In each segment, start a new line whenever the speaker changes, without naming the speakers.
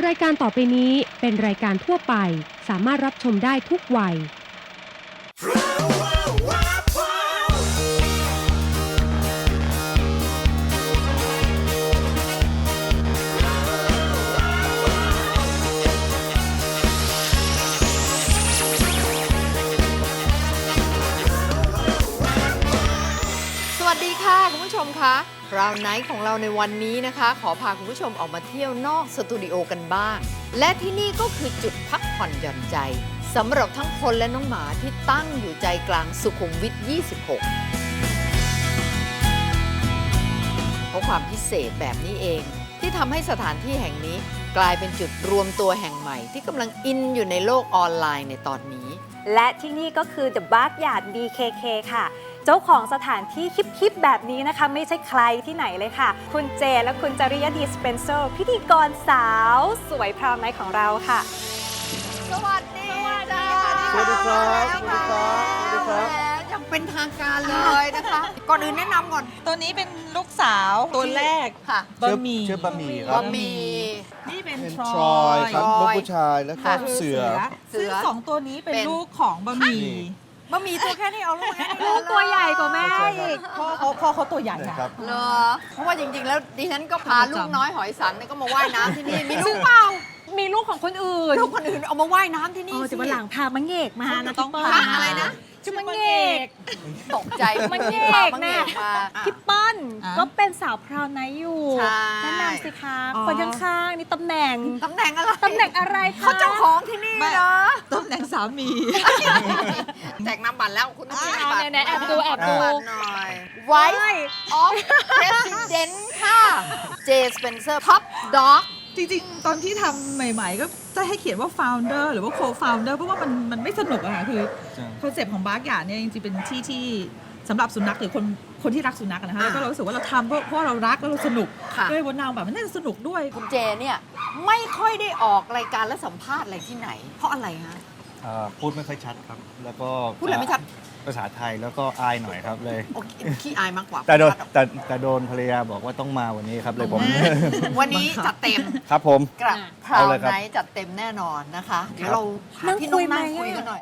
ายการต่อไปนี้เป็นรายการทั่วไปสามารถรับชมได้ทุกวัย
สวัสดีค่ะคุณผู้ชมคะราวไนท์ของเราในวันนี้นะคะขอพาคุณผู้ชมออกมาเที่ยวนอกสตูดิโอกันบ้างและที่นี่ก็คือจุดพักผ่อนหย่อนใจสำหรับทั้งคนและน้องหมาที่ตั้งอยู่ใจกลางสุขุมวิท 26 เพราะความพิเศษแบบนี้เองที่ทำให้สถานที่แห่งนี้กลายเป็นจุดรวมตัวแห่งใหม่ที่กำลังอินอยู่ในโลกออนไลน์ในตอนนี้
และที่นี่ก็คือ The Backyard BKK ค่ะเจ้าของสถานที่ฮิปๆแบบนี้นะคะไม่ใช่ใครที่ไหนเลยค่ะคุณเจและคุณจริยดีสเปนเซอร์พิธีกรสาวสวยพราวไนท์ของเราค่ะ
สวัสดีจ้า
สวัสดีครับสวัสดีครับสวัสดีครับ
ยังเป็นทางการเลยนะคะ ก่อนอื่นแนะนำก่อน
ตัวนี้เป็นลูกสาวตัวแรก
ค่ะ
บะหมี่
ชื่อบะหมี่ครับ
บะหมี่
นี่เป็น
เป็น
ทร
ทร
อ
อย
ย
ครับ
ทรอย
ลูกผู้ชายแล้วก็
ค่ะ
เสือ
ซึ่งสองตัวนี้เป็น
เป็น
ลูกของบะหมี่
บะหมี่ตัวแค่นี้เอาลูกแค่นี้
ลูกตัวใหญ่กว่าแม่อีก
พ่อเขาตัวใหญ่
นะ
อะ
ครับ
เหรอเพราะว่าจริงๆ แล้วดิฉันก็พา
ประจำ
ลูกน้อยหอยสังเนี่ยก็มาว่ายน้ำที่นี่ มีลูกเปล่า
มีลูกของคนอื่น
ลูกคนอื่นเอามาว่ายน้ำที่นี่
แต่วันหลังพามังเงกมานะ
ต้อง
พี่
พา
เปิ้ล
อะไรนะ
ชื่อมังเงก
ตกใจ
มังเงก
พามังเง
น่ะ
กมา
พี่เปิ้ล
อ่ะ
ก็เป็นสาวพราวไนท์อยู่
ใช่
แนะนำสิคะ
อ๋อ
คนข้างๆนี่ตำแหน่ง
ตำแหน่งอะไร
ตำแหน่งอะไรคะ
เขาเจ้าของที่นี่
ไม่
เนาะ
ตำแหน่งสามี
แจกน้ำบัตรแล้วคุณต้องมี
เอา
บัตร
ไหนๆแอบดูแอบดู
บัตรหน่อย Wife of President ค่ะเจสเปนเซอร์ Top Dog
จริงๆ ตอนที่ทำใหม่ๆ ก็จะให้เขียนว่า founder หรือว่า co-founder เพราะว่ามันไม่สนุกอะค่ะคือ
ใช่
คอนเซปต์ของบาร์กอย่างเนี่ยจริงๆ เป็นที่ที่สำหรับสุนัขหรือคนที่รักสุนัขอะนะคะแล้วก็เรารู้สึกว่าเราทำเพราะเรารักแล้วเราสนุก
ค่ะ
ด้วยบนนางแบบมันน่าจะสนุกด้วย
คุณเจเนี่ยไม่ค่อยได้ออกรายการและสัมภาษณ์อะไรที่ไหน เพราะอะไรฮะ
พูดไม่ค่อยชัดครับ แล้วก็
พูดอะไรไม่ชัด
ภาษาไทยแล้วก็อายหน่อยครับเลย
โอเคขี้อายมากกว่า
แต่โดนภรรยาบอกว่าต้องมาวันนี้ครับเลยผม
วันนี้จัดเต็ม
ครับผม
กระเพรา
เอาเลยครับ
ไนท์จัดเต็มแน่นอนนะคะ เดี๋ยวเราหา
นั่ง
ที่
คุย
นั่ง
ไหม
คุยกันหน่อย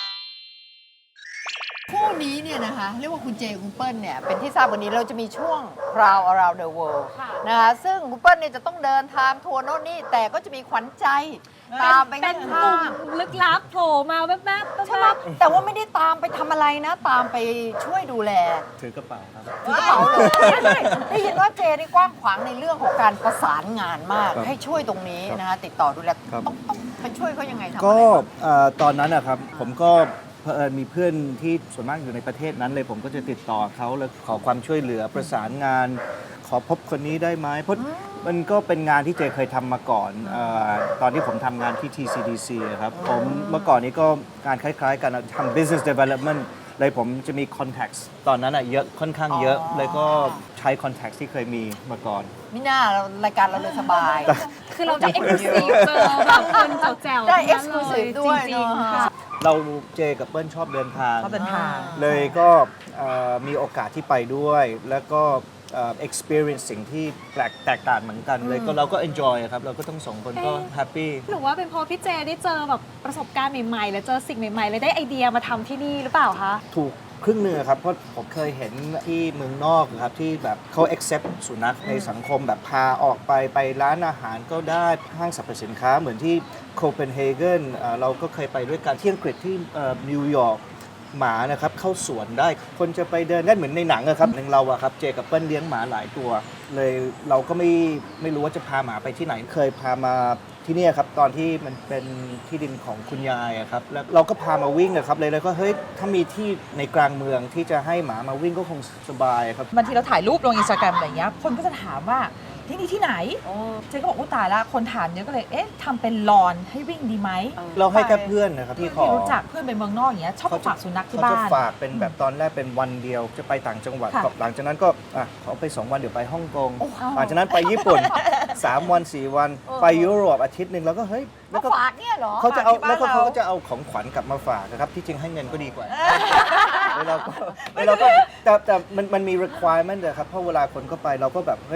คู่นี้เนี่ยนะคะ เรียกว่าคุณเจคุณเปิ้ลเนี่ยเป็นที่ทราบวันนี้เราจะมีช่วง Proud Around the World นะคะซึ่งคุณเปิ้ลเนี่ยจะต้องเดินทางทัวร์โน่นนี่แต่ก็จะมีขวัญใจตามไป
เป็
ข้าน
กลุ่
ง
มลึกลับโผล่มาแวบๆ
ๆใช่ไหมแต่ว่าไม่ได้ตามไปทำอะไรนะ ตามไปช่วยดูแล
ถือกระเป๋าครับ
ถือกระเป๋าเลยได้ยินว่าเจนี่กว้างขวางในเรื่องของการประสานงานมาก
ครับ
ให้ช่วยตรงนี้นะคะติดต่อดูแล
ครับ
ต้องไปช่วยเขายังไงทำอะไร
ก็
บ้าง
ตอนนั้นนะครับผมก็เผอิญมีเพื่อนที่ส่วนมากอยู่ในประเทศนั้นเลยผมก็จะติดต่อเขาแล้วขอความช่วยเหลือประสานงาน ขอพบคนนี้ได้ไหมเพราะมันก็เป็นงานที่เจเคยทำมาก่อนตอนที่ผมทำงานที่ TCDC อะครับผมเมื่อก่อนนี้ก็งานคล้ายๆกันทำ business development เลยผมจะมี contacts ตอนนั้นอะเยอะค่อนข้างเยอะ เลยก็ใช้ contacts ที่เคยมีมาก่อน
มิน่ารายการเราเลยสบาย
คือเราจะเอ็กซ์คลูซีฟเจอบางคนแจ๋วๆ
ได้
ทั้งนั้น
exclusive ด้วย
จริง
เนอะ
ๆค่ะ
เราเจกับเปิ้ลชอบเดินทาง
ชอบเดินทาง
เลยก็มีโอกาสที่ไปด้วย แล้วก็experience สิ่งที่แตกต่างเหมือนกันเลยก็เราก็ enjoy ครับ เราก็ต้องสองคนก็ happy
หรือว่าเป็นเพราะพี่เจได้เจอแบบประสบการณ์ใหม่ๆ แล้วเจอสิ่งใหม่ๆ เลยได้ไอเดียมาทำที่นี่หรือเปล่าคะ
ถูกครึ่งหนึ่งครับ เพราะผมเคยเห็นที่เมืองนอกครับ ที่แบบเขา accept สุนัขในสังคมแบบพาออกไปร้านอาหารก็ได้ห้างสรรพสินค้าเหมือนที่โคเปนเฮเกนเราก็เคยไปด้วยกันที่อังกฤษที่นิวยอร์กหมานะครับเข้าสวนได้คนจะไปเดินได้เหมือนในหนังอะครับหนึ่งเราอะครับเจกับเปิ้ลเลี้ยงหมาหลายตัว เลยเราก็ไม่รู้ว่าจะพาหมาไปที่ไหนเคยพามาที่เนี่ยครับตอนที่มันเป็นที่ดินของคุณยายอะครับแล้วเราก็พามาวิ่งอะครับเลยก็เฮ้ยถ้ามีที่ในกลางเมืองที่จะให้หมามาวิ่งก็คงสบายครับ
บางทีเราถ่ายรูปลงอินสตาแกรมอะไรเงี้ยคนก็จะถามว่าที่นี่ที่ไหนเจ๊ก็บอกอู้ตายละคนถามเยอะก็เลยเอ๊ะทำเป็นลอนให้วิ่งดีไหม
เราให้แค่เพื่อนนะครับที่ขอ
ที่รู้จักเพื่อนเป็นเมืองนอกอย่างเงี้ยชอบฝากสุนัขที่
เขา
บ้า
จะ
น
ฝากเป็นแบบตอนแรกเป็นวันเดียวจะไปต่างจังหวัด
ค่ะ
หลังจากนั้นก็ขอไป 2 วันเดี๋ยวไปฮ่องกงหลังจากนั้นไปญี่ปุ่น 3 วัน 4 วันไปยุโรปอาทิตย์หนึ่งแล้วก็เฮ้ยแล้วก็
ฝากเนี่ยเหรอ
เขาจะเอา
ฝกที่
แล้วก็
บ้น
เขา
ร
ก็จะเอาของขวัญกลับมาฝากนะครับที่จริงให้เงินก็ดีกว่าแล้วเราก็แต่มันมี requirement นะครับเพราะเวลาคนก็ไปเราก็แบบเฮ้ย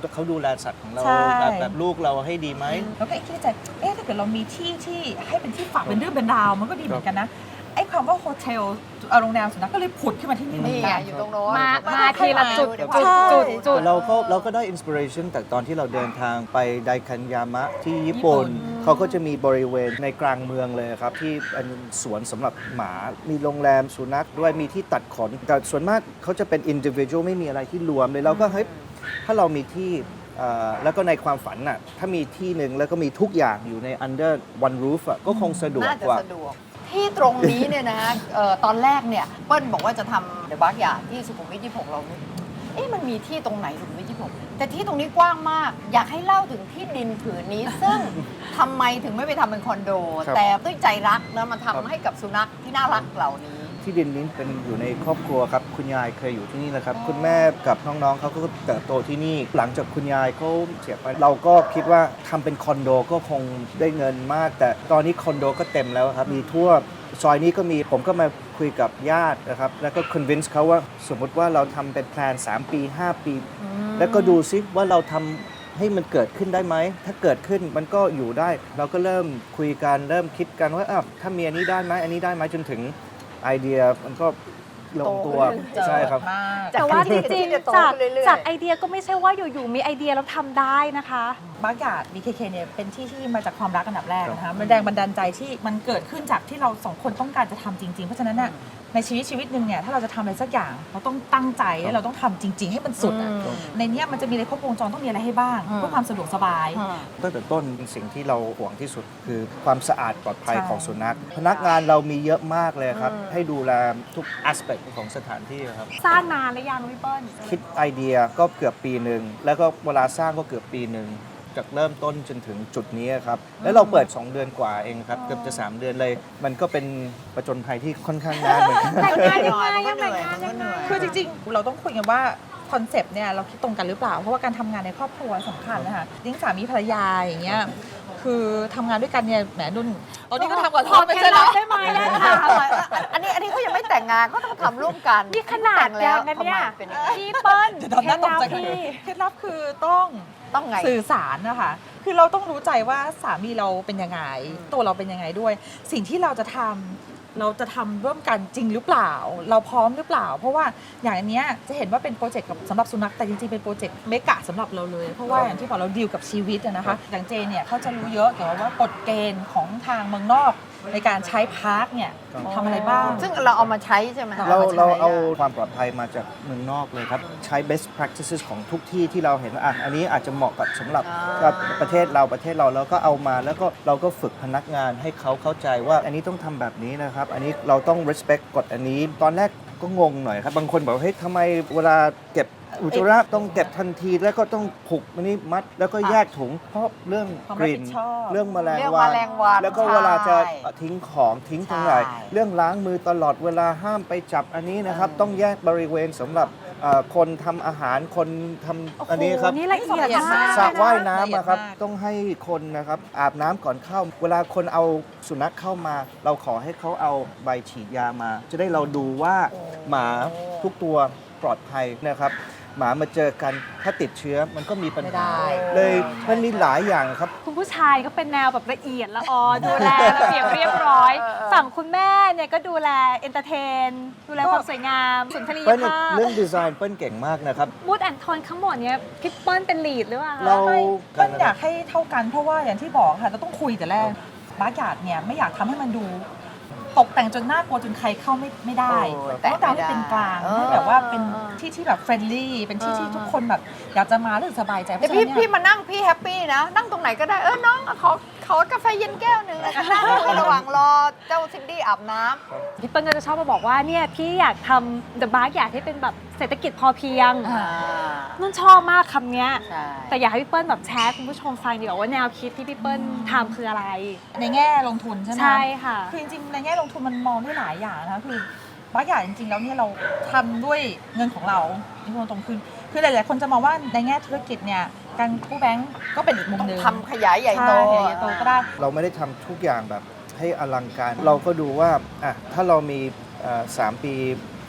เขาดูแลสัตว์ของเรา
ใช่
แบบลูกเราให้ดีไหม
แล้วก็คิดในใจถ้าเกิดเรามีที่ที่ให้เป็นที่ฝากเป็นเรื่องเป็นราวมันก็ดีเหมือนกันนะไอ้ความว่าโฮเทลโรงแรมสุนัขก็เลยผุดขึ้นมาที่นี่เหมือ
นี่
น
ไง
กัน
อยู่ตรงโน้น
มาทีละจุด
ใช่
จุด
เราก็ได้อินสปิเรชันจากตอนที่เราเดินทางไปไดคันยามะที่ญี่ปุ่น เขาก็จะมีบริเวณในกลางเมืองเลยครับ ที่เป็นสวนสำหรับหมา มีโรงแรมสุนัขด้วยมีที่ตัดขน แต่ส่วนมากเขาจะเป็น individual ไม่มีอะไรที่รวมเลยเราก็เฮ้ยถ้าเรามีที่แล้วก็ในความฝันน่ะถ้ามีที่หนึ่งแล้วก็มีทุกอย่างอยู่ใน under one roof อะก็คงสะดวก
น่าจะ
กว่า
สะดวก ที่ตรงนี้เนี่ยนะตอนแรกเนี่ยเปิ้ลบอกว่าจะทำเดอะบาร์กยาร์ดที่สุขุมวิท 26 เรามันมีที่ตรงไหนสุขุมวิท 26 แต่ที่ตรงนี้กว้างมาก อยากให้เล่าถึงที่ดินผืนนี้ ซึ่งทำไมถึงไม่ไปทำเป็นคอนโด
ครับ
แต่ด้วยใจรักนะมัน
ครับ
ทำให้กับสุนัขที่น่ารักเหล่านี้
ที่ดินนี้เป็นอยู่ในครอบครัวครับคุณยายเคยอยู่ที่นี่นะครับ คุณแม่กับน้องๆเขาก็เติบโตที่นี่ หลังจากคุณยายเขาเสียไปเราก็คิดว่าทำเป็นคอนโดก็คงได้เงินมาก แต่ตอนนี้คอนโดก็เต็มแล้วครับมีทั่วซอยนี้ก็มีผมก็มาคุยกับญาตินะครับแล้วก็ convince เขาว่าสมมติว่าเราทำเป็นแพลน3 ปี 5 ปี แล้วก็ดูซิว่าเราทำให้มันเกิดขึ้นได้ไหมถ้าเกิดขึ้นมันก็อยู่ได้ เราก็เริ่มคุยกันเริ่มคิดกันว่าถ้ามีอันนี้ได้ไหมอันนี้ได้ไหมจนถึงไอเดียมันก็ลงตัว
โตขึ้น
ใช่ครับ
มาก
แต่ว่าจริง
ที่จะโต
ๆจาก
ขึ้นเรื่อยๆ
จากไอเดียก็ไม่ใช่ว่าอยู่ๆมีไอเดียแล้วทำได้นะคะ
บาร์กยาร์ด BKK เนี่ยเป็นที่ที่มาจากความรักอันดับแรกนะคะมันแรงบันดาลใจที่มันเกิดขึ้นจากที่เราสองคนต้องการจะทำจริงๆ เพราะฉะนั้นน่ะในชีวิตหนึ่งเนี่ยถ้าเราจะทำอะไรสักอย่างเราต้องตั้งใจและเราต้องทำจริง ๆ ให้มันสุดอะในเนี้ยมันจะมีอะไรครบวงจรต้องมีอะไรให้บ้างเพื่อความสะดวกสบาย
ตั้งแต่ต้นสิ่งที่เราห่วงที่สุดคือความสะอาดปลอดภัยของสุนัขพนักงานเรามีเยอะมากเลยครับให้ดูแลทุก aspect ของสถานที่ครับ
สร้างนานหรือยังพี่เปิ้ล
คิดไอเดียก็เกือบปีหนึ่งแล้วก็เวลาสร้างก็เกือบปีหนึ่งจากเริ่มต้นจนถึงจุดนี้ครับแล้วเราเปิด 2 เดือนกว่าเองครับเกือบจะ 3 เดือนเลย มันก็เป็นประจนภัยที่ค่อนข้างนานเหมือนกัน
แต่งงาน
เห
ยัง
นื่อย
ไง
มันก็
ยัง
เห
แต่
นื่
ง
อย
งาน
มันก็เหนื่อย
คือจริงๆ เราต้องคุยกันว่าคอนเซปต์เนี่ยเราคิดตรงกันหรือเปล่า เพราะว่าการทำงานในครอบครัวสำคัญนะคะดิ้งสามีภรรยาอย่างเงี้ยคือทำงานด้วยกันเนี่ยแหมนุ่นตอนนี้ก็ทำกับทอดไป
เค
ใช่
ล็ด
ไหม
ลับได้ไหมได้ค่ะ
อันนี้เขายังไม่แต่งงานเขาต้องทำร่วมกัน
นี่ขนาด
แต่งแล้ว
ยังนะเนี่ย
ทำไมเป็นอย่างนี้
พี่เปิ้ล
เดี๋ยวตอนนั้นตกใจ
เคล็ดลับพี่
เคล็ดลับคือต้อง
ต้องไง
สื่อสารนะคะคือเราต้องรู้ใจว่าสามีเราเป็นยังไงตัวเราเป็นยังไงด้วย สิ่งที่เราจะทำร่วมกันจริงหรือเปล่า เราพร้อมหรือเปล่า เพราะว่าอย่างอันเนี้ยจะเห็นว่าเป็นโปรเจกต์สำหรับสุนัขแต่จริงๆเป็นโปรเจกต์เมกะสำหรับเราเลย เพราะว่าอย่างที่บอกเราดีลกับชีวิตอะนะคะอย่างเจนเนี่ยเขาจะรู้เยอะเกี่ยวกับว่ากฎเกณฑ์ของทางเมืองนอกในการใช้พาร์คเนี่ยทำอะไรบ้าง
ซึ่งเราเอามาใช้ใช่ไหม
เรา
มใช้
เราเอา
ได้
ความปลอดภัยมาจากเมืองนอกเลยครับ ใช้ best practices ของทุกที่ที่เราเห็นว่าอันนี้อาจจะเหมาะกับสำหรับกับประเทศเราแล้วก็เอามาแล้วก็เราก็ฝึกพนักงานให้เขาเข้าใจว่าอันนี้ต้องทำแบบนี้นะครับ อันนี้เราต้อง respect กฎอันนี้ ตอนแรกก็งงหน่อยครับ บางคนบอกว่าเฮ้ยทำไมเวลาเก็บอุจจาระต้องเก็บทันทีแล้วก็ต้องผูกอันนี้มัดแล้วก็แยกถุงเพราะเรื่อง
ความ
ก
รับ
ลิ่
ผิ
น
ดชอบ
เรื่องแมลง
เรื่อง
วั
แมลงวัน
แล้วก็เวลาจะ
ใช่
ทิ้งของทิ้งตรงไหน
ใช่
เรื่องล้างมือตลอดเวลาห้ามไปจับอันนี้นะครับ ต้องแยกบริเวณสำหรับคนทำอาหารคนทำอันนี้ครับ
โอ้โหนี่ละเอียดมาก
สระว่าย
ละ
น้ำ
เอียด
อะครับ
มาก
ต้องให้คนนะครับอาบน้ำก่อนเข้า เวลาคนเอาสุนัขเข้ามา เราขอให้เขาเอาใบฉีดยามา จะได้เราดูว่าหมาทุกตัวปลอดภัยนะครับ หมามาเจอกันถ้าติดเชื้อมันก็มีปัญ
ไม่
หา
ได้
เลยมันมีหลายอย่างครับ
คุณผู้ชายก็เป็นแนวแบบละเอียดละออดูแลระเบียบเรียบร้อย ฝั่งคุณแม่เนี่ยก็ดูแลเอนเตอร์เทน ดูแลความสวยงามสุนทรีย
เปิ้ล
ภาพ
เรื่องดีไซน์เปิ้ลเก่งมากนะครับ
มูดแอนโทนทั้งหมดเนี่ยพี่เปิ้ลเป็นลีดหรือเปล่าคะ
เรา
เปิ้ลอยากให้เท่ากันเพราะว่าอย่างที่บอกค่ะเราต้องคุยแต่แรกบาร์กยาร์ดเนี่ยไม่อยากทำให้มันดูตกแต่งจนน่ากลัวจนใครเข้าไม่ได้
โอ้
ต้องการให้เป็นกลางให้แบบว่าเป็นที่ที่แบบเฟรนลี่เป็นที่ที่ทุกคนแบบอยากจะมารู้สึกสบายใจเพ
แต่
ราะฉะนั้น
พี่
เนี่ย
มานั่งพี่แฮปปี้นะ นั่งตรงไหนก็ได้น้องขอกาแฟเย็นแก้วหนึ่งนั่งในระหว่างรอเจ้าซินดี้อาบน้ำ
พี่เปิ้ลก็จะชอบมาบอกว่าเนี่ยพี่อยากทำ The Bark อยากให้เป็นแบบเศรษฐกิจพอเพียงนุ่นชอบมากคำเนี้ย
ใช่
แต่อยากให้พี่เปิ้ลแบบแชร์คุณผู้ชมฟังดีกว่าว่าแนวคิดที่พี่เปิ้ลทำคืออะไร
ในแง่ลงทุนใช่ไหม
ใช่ค่ะ
คือจริงๆในแง่ลงทุนมันมองได้หลายอย่างนะคะคือบางอย่างจริงๆแล้วเนี่ยเราทำด้วยเงินของเราที่พูดตรงคือหลายๆคนจะมองว่าในแง่ธุรกิจเนี่ยการกู้แบงก์ก็เป็นอีกมุม
ต้อง
หนึ่ง
ทำขยายใหญ่โต
ใช่ใหญ่โตก็ได้
เราไม่ได้ทำทุกอย่างแบบให้อลังการ เราก็ดูว่าถ้าเรามี3 ปี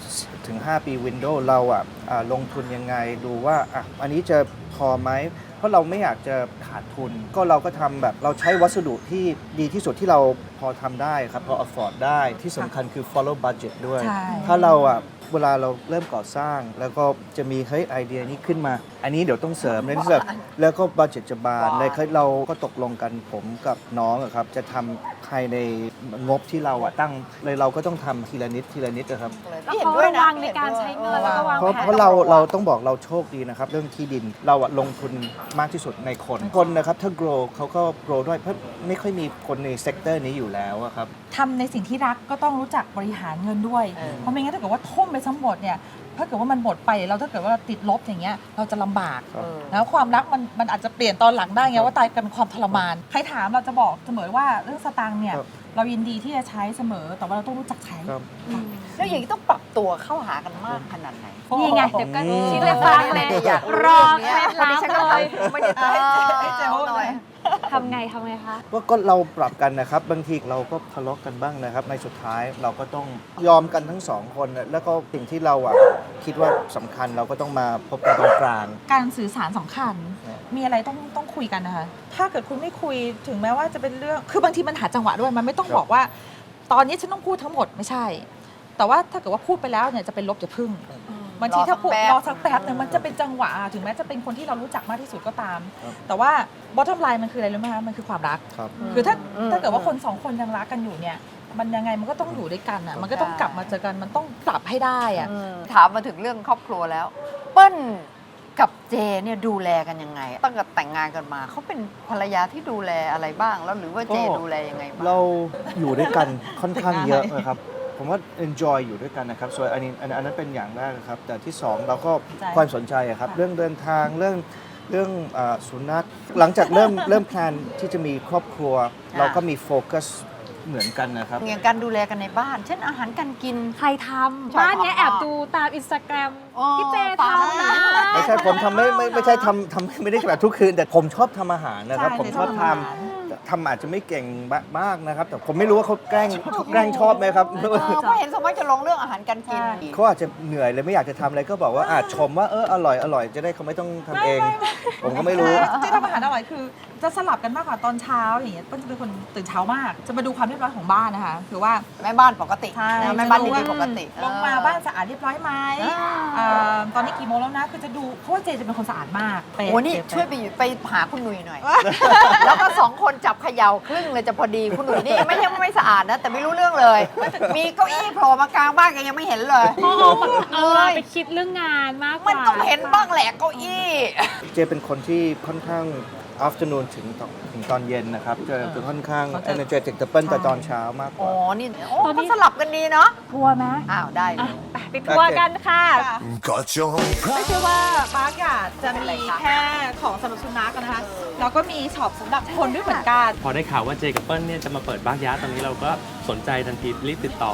ถึง 5 ปีวินโดว์เราลงทุนยังไงดูว่าอันนี้จะพอไหมเพราะเราไม่อยากจะขาดทุนก็เราก็ทำแบบเราใช้วัสดุที่ดีที่สุดที่เราพอทำได้ครับพอ afford ได้ที่สำคัญคือ follow budget ด้วย
ใช่
ถ้าเราเวลาเราเริ่มก่อสร้าง แล้วก็จะมีเฮ้ยไอเดียนี้ขึ้นมา อันนี้เดี๋ยวต้องเสริมเลยที่แบบแล้วก็บัดเจ็ตจะบานเลยเราก็ตกลงกันผมกับน้องครับจะทำภายในงบที่เราตั้งเลยเราก็ต้องทำทีละนิดทีละนิดนะครับ
แล้วเขาระวังในการใช้เงินแล้วก็วาง
เพราะ
แผน
เพราะเราต้องบอกเราโชคดีนะครับ เรื่องที่ดินเราลงทุนมากที่สุดในคนนะครับถ้า grow เขาก็ grow ด้วยเพราะไม่ค่อยมีคนในเซกเตอร์นี้อยู่แล้วครับ
ทำในสิ่งที่รักก็ต้องรู้จักบริหารเงินด้วย เพราะไม่งั้นถ้าเกิดว่าทุ่มไปทั้งหมดเนี่ยถ้าเกิดว่ามันหมดไปแล้วถ้าเกิดว่าติดลบอย่างเงี้ยเราจะลำบาก
ครับ
แล้วความรักมันอาจจะเปลี่ยนตอนหลังได้ไงว่าตายกันความทรมาน ใครถามเราจะบอกเสมอว่าเรื่องสตางค์เนี่ย
ครับ
เรายินดีที่จะใช้เสมอแต่ว่าเราต้องรู้จักใช้
ครับ
แล้วอย่างนี้ต้องปรับตัวเข้าหากันมากขนาดไหน
นี่ไงเดี๋ยวก็
อืม
ชี้เลยฟังเลย
อยาก
รอเคล็ดลับเลย
ไม่ได้ให้เจ๊หน่อย
ทำไงคะ
ก็เราปรับกันนะครับบางทีเราก็ทะเลาะกันบ้างนะครับในสุดท้ายเราก็ต้องยอมกันทั้งสองคนแล้วก็สิ่งที่เราคิดว่าสำคัญเราก็ต้องมาพบกันตรงกลาง
การสื่อสารสำคัญ
เนี่ย
มีอะไรต้องคุยกันนะคะ ถ้าเกิดคุณไม่คุยถึงแม้ว่าจะเป็นเรื่อง คือบางทีมันหาจังหวะด้วย มันไม่ต้องบอกว่า ตอนนี้ฉันต้องพูดทั้งหมดไม่ใช่ แต่ว่าถ้าเกิดว่าพูดไปแล้วเนี่ยจะเป็นลบจะพึ่ง บางทีถ้าพูดรอสักแป๊บนึงมันจะเป็นจังหวะถึงแม้จะเป็นคนที่เรารู้จักมากที่สุดก็ตาม
ครับ
แต่ว่า bottom line มันคืออะไรรู้ไหมคะ มันคือความรัก
ครับ
คือถ้าเกิดว่าคนสองคนยังรักกันอยู่เนี่ย มันยังไงมันก็ต้องอยู่ด้วยกันอ่ะ มันก็ต้องกลับมาเจอกัน มันต้องปรับให้ได้อ่ะ
ถามมาถึงเรื่องครอบครัวแล้ว เปิ้ลกับเจเนี่ยดูแลกันยังไง ตั้งแต่แต่งงานกันมาเขาเป็นภรรยาที่ดูแลอะไรบ้างแล้วหรือว่าเจดูแลยังไงบ้าง
เราอยู่ด้วยกันค่อนข้างเยอะนะครับ ผมว่า enjoy อยู่ด้วยกันนะครับส่วนอันนั้นเป็นอย่างแรกนะครับ แต่ที่สองเราก็
ใจ
ความสนใจครับ เรื่องเดินทางเรื่องสุนัขหลังจากเริ่มแพลนที่จะมีครอบครัว เราก็มีโฟกัสเหมือนกันนะครับ
อย่างการดูแลกันในบ้าน เช่นอาหารการกิน
ใครทำบ้านเนี้ยแอบดูตามอินสตาแกรม
อ๋อ
พี่เจทำนะ
ไม่ใช่ผมทำไม่ใช่ทำไม่ได้แบบทุกคืน แต่ผมชอบทำอาหารนะครับ
ใช่
ผมชอบ
ชอบทำอาหาร
ทำอาจจะไม่เก่งมากนะครับ แต่ผมไม่รู้ว่าเขาแกล้งชอบไหมครับ
เพราะเห็นสมมติจะลงเรื่องอาหารการกิน
เขาอาจจะเหนื่อยเลยไม่อยากจะทำอะไรก็บอกว่าชมว่าอร่อยจะได้เขาไม่ต้องทำเอง ผมก็ไม่รู้
ที่ทำอาหารอร่อยคือจะสลับกันมากกว่าตอนเช้าอย่างเงี้ยเปิ้ลจะเป็นคนตื่นเช้ามาก จะมาดูความเรียบร้อยของบ้านนะคะคือว่า
แม่บ้านปกติ
ใช่
นะแม่บ้านดี
จะ
ๆปกติ
ลงมาบ้านสะอาดเรียบร้อยไหม ตอนนี้กี่โมงแล้วนะ คือจะดูเพราะว่าเจจะเป็นคนสะอาดมากเป๊ะ
โอ้นี่
เป๊ะ
ช่วยไปหาคุณหนุ่ยหน่อย แล้วก็สองคนจับเขย่าครึ่งเลยจะพอดีคุณหนุ่ยนี่ไม่ใช่ว่าไม่สะอาดนะ แต่ไม่รู้เรื่องเลย มีเก้าอี้โผล่มากลางบ้านกันยังไม่เห็นเลย
เขาเอาเวลาไปคิดเรื่องงานมากกว่า
มันต้องเห็นบ้างแหละเก้าอี้
เจเป็นคนที่ค่อนข้าง afternoon ถึงตอนเย็นนะครับจะค่อนข้าง energetic แต่เปิ้ลแต่ตอนเช้ามากก
อ๋อ
ว่า
นี่ก็สลับกันดีเนาะ
ทัวร์ไหม
อ้าวได้เลย
ไปทัวร์กันค่ะ
Got your own
ไม่ใช่ว่าปาร์กอยากจะ
เป็นไร
มี
คะ
แค่ของสำหรับสุนัขนะคะ แล้วก็มีช็อปสำหรับคนด้วยเหมือนกัน
พอได้ข่าวว่าเจกับเปิ้ลเนี่ยจะมาเปิดบ้านยาตอนนี้เราก็สนใจทันทีรีบติดต่อ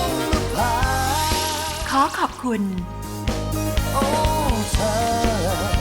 pride.
ขอขอบคุณ
Oh, time.